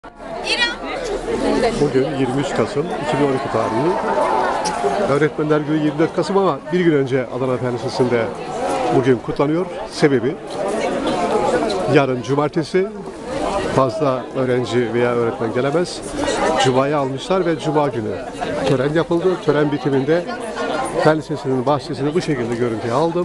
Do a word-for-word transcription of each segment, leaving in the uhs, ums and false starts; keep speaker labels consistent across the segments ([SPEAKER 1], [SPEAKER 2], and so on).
[SPEAKER 1] Bugün yirmi üç Kasım iki bin on iki tarihi. Öğretmenler Günü yirmi dört Kasım ama bir gün önce Adana Fen Lisesi'nde bugün kutlanıyor. Sebebi yarın cumartesi fazla öğrenci veya öğretmen gelemez. Cuma'yı almışlar ve Cuma günü tören yapıldı. Tören bitiminde Fen Lisesi'nin bahçesini bu şekilde görüntüye aldım.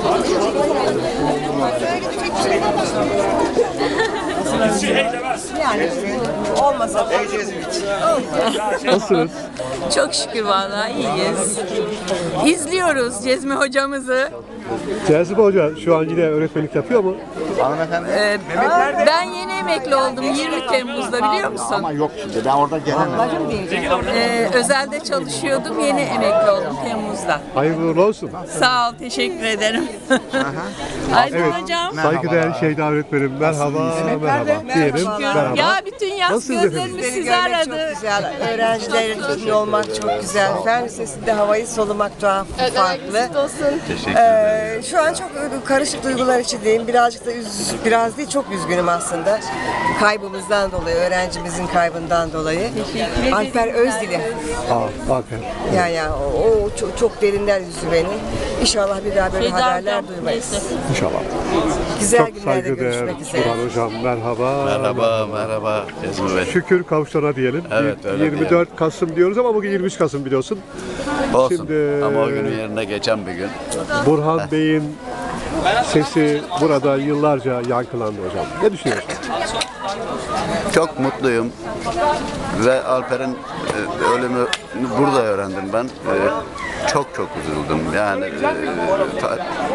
[SPEAKER 2] Yani olmasa da
[SPEAKER 1] Nasılsınız?
[SPEAKER 3] Çok şükür vallahi iyiyiz. İzliyoruz Cezmi hocamızı.
[SPEAKER 1] Cazibe Hoca şu an yine öğretmenlik yapıyor mu?
[SPEAKER 3] Ee, ben yeni emekli oldum yirmi Temmuz'da biliyor musun?
[SPEAKER 4] Ama yok şimdi ben orada gelemem.
[SPEAKER 3] Ee, özelde çalışıyordum yeni emekli oldum Temmuz'da.
[SPEAKER 1] Hayırlı uğurlu olsun.
[SPEAKER 3] Sağ ol teşekkür ederim. Aydın
[SPEAKER 1] Evet.
[SPEAKER 3] hocam.
[SPEAKER 1] Saygıdeğer Şeyda öğretmenim. Merhaba, merhaba. Diyelim. Merhaba.
[SPEAKER 3] Ya bütün yaz
[SPEAKER 1] Nasılsınız
[SPEAKER 3] gözlerimiz
[SPEAKER 2] Sizleri
[SPEAKER 3] sizi
[SPEAKER 2] görmek
[SPEAKER 3] aradı.
[SPEAKER 2] çok güzel. Öğrencilerin içinde olmak çok güzel. Fen Lisesi'nde havayı solumak tuhaf, farklı. Ee, şu an çok karışık duygular içindeyim. Birazcık da üz, biraz değil çok üzgünüm aslında. Kaybımızdan dolayı, öğrencimizin kaybından dolayı. Alper Özdil'i.
[SPEAKER 1] Aa, aferin.
[SPEAKER 2] Ya ya o, o çok, çok derinden üzdü beni. İnşallah bir daha böyle
[SPEAKER 3] Şeyda
[SPEAKER 2] haberler
[SPEAKER 3] hocam,
[SPEAKER 2] duymayız.
[SPEAKER 3] neyse.
[SPEAKER 1] İnşallah.
[SPEAKER 2] Güzel
[SPEAKER 1] Çok
[SPEAKER 2] günlerde
[SPEAKER 1] saygıdeğer
[SPEAKER 2] görüşmek üzere.
[SPEAKER 1] Burhan Hocam. Merhaba.
[SPEAKER 5] Merhaba, merhaba Cezmi Bey.
[SPEAKER 1] Şükür kavuşturana diyelim.
[SPEAKER 5] Evet, öyle
[SPEAKER 1] yirmi dört Kasım diyoruz ama bugün yirmi üç Kasım biliyorsun.
[SPEAKER 5] Olsun.
[SPEAKER 1] Şimdi-
[SPEAKER 5] Ama o günün yerine geçen bir gün.
[SPEAKER 1] Burhan Bey'in sesi burada yıllarca yankılandı hocam. Ne düşünüyorsun?
[SPEAKER 5] Çok mutluyum. Ve Alper'in e, ölümü burada öğrendim ben. E, çok çok üzüldüm. Yani e, ta-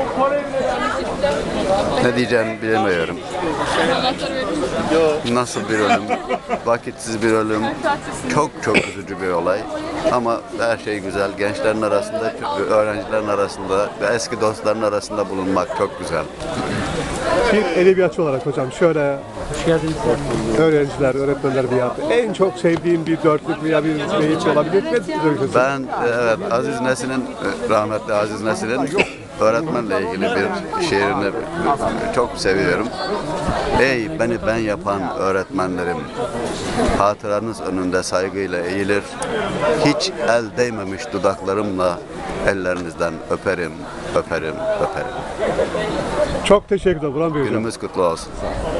[SPEAKER 5] ne diyeceğimi bilemiyorum. Nasıl bir ölüm? Vakitsiz bir ölüm. Çok çok üzücü bir olay. Ama her şey güzel. Gençlerin arasında, öğrencilerin arasında ve eski dostların arasında bulunmak çok güzel.
[SPEAKER 1] Bir edebiyatçı olarak hocam şöyle öğrenciler, öğretmenler bir yaptı. En çok sevdiğin bir dörtlük veya bir beyit olabilir mi?
[SPEAKER 5] Ben e, evet Aziz Nesin'in e, rahmetli Aziz Nesin'in öğretmenle ilgili bir şiirini e, çok seviyorum. Ey beni ben yapan öğretmenlerim, hatıranız önünde saygıyla eğilir, hiç el değmemiş dudaklarımla ellerinizden öperim, öperim, öperim.
[SPEAKER 1] Çok teşekkür ederim Burhan Bey hocam.
[SPEAKER 5] Günümüz kutlu olsun.